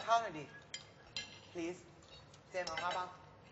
ข้าวหน่อยดิ please เจมเอาข้าวบ้าง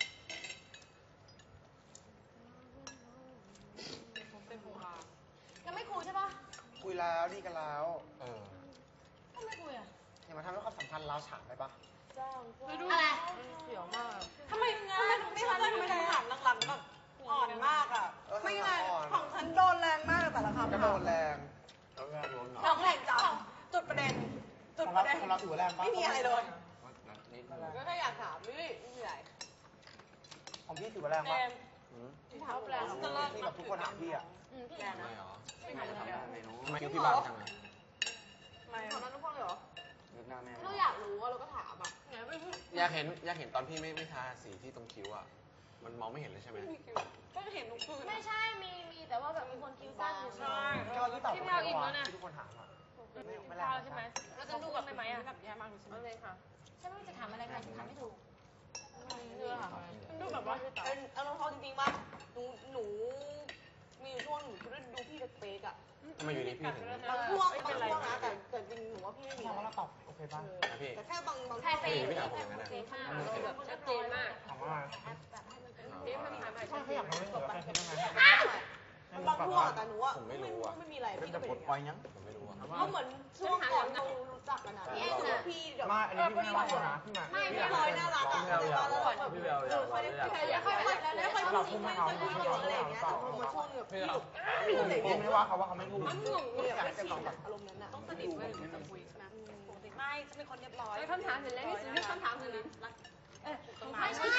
ยังไม่คุยใช่ปะคุยแล้วดีกันแล้วทำไมคุยอ่ะอย่ามาทำให้ความสัมพันธ์เราฉานไปปะอะไรเสียวมากทำไมไม่เข้าใจทำไมหลังหลังแบบอ่อนมากอ่ะไม่ไงของฉันโดนแรงมากแต่ละคำก็โดนแรงน้องแรงจังจุดประเด็นจุดของปเราระเด็นของเราถือว่าแรงปะไม่มีอะไรเลยก็แค่อยากถามนี่ไม่ใหญ่ของพี่ถือว่าแรงปะที่ถามแรงที่แบบทุกคนถามพี่อะพี่แรงนะไม่ถามเลยทำไมคิวพี่บางจังอะไม่ถามนั้นทุกคนเลยเหรอนึกหน้าแม่เราอยากรู้ว่าเราก็ถามอ่ะอยากเห็นตอนพี่ไม่ทาสีที่ตรงคิ้วอ่ะ มันมองไม่เห็นเลยใช่ไหมก็เห็นทุกคืนไม่ใช่มีแต่ว่าแบบมีคนคิ้วสั้นอยู่ใช่ก็พี่ตอบผมแล้วว่าที่ทุกคนถามอะไม่แรงใช่ไหมเราจะดูแบบไหมอ่ะแบบแย่มากเลยใช่ไหมเอาเลยค่ะฉันไม่รู้จะถามอะไรกันถามไม่ถูกเนื้อค่ะมันดูแบบว่าเป็นเอาน้องจริงๆว่าหนูมีอยู่ช่วงหนูดูพี่เป๊กๆอ่ะทำไมอยู่ดีพี่ถึงบางช่วงนะแต่จริงหนูว่าพี่ไม่มีถามว่าเราตอบโอเคป่ะนะพี่แต่แค่บางใครช่วงเฟย์หรือใครโอเคมากเราแบบชัดเจนมากถามว่าแบบให้มันเป็นนี่มันถามอะไรถ้าเขาอยากรู้เลยว่าเป็นยังไงบางช่วงแต่หนูว่าไม่มีอะไรพี่ก็เป็นปล่อยยังผมไม่รู้อ่ะเพราะเหมือนช่วงก่อนเรารู้จักกันนะพี่เดี๋ยวมาอันนี้พี่ไม่ว่านะพี่มาไม่เคยน่ารักอ่ะแต่ว่าเราแบบค่อยไม่ค่อยพูดจริงไม่ค่อยพูดเยอะอะไรอย่างเงี้ยแต่พอมาช่วงแบบพี่พี่ไม่ว่าเขาว่าเขาไม่พูดมันงงอยากจะลองแบบอารมณ์นั้นอ่ะต้องสนิทเลยจะคุยใช่ไหมไม่จะเป็นคนเรียบร้อยคำถามเสร็จแล้วนี่คือคำถามเสร็จแล้วไม่ใช่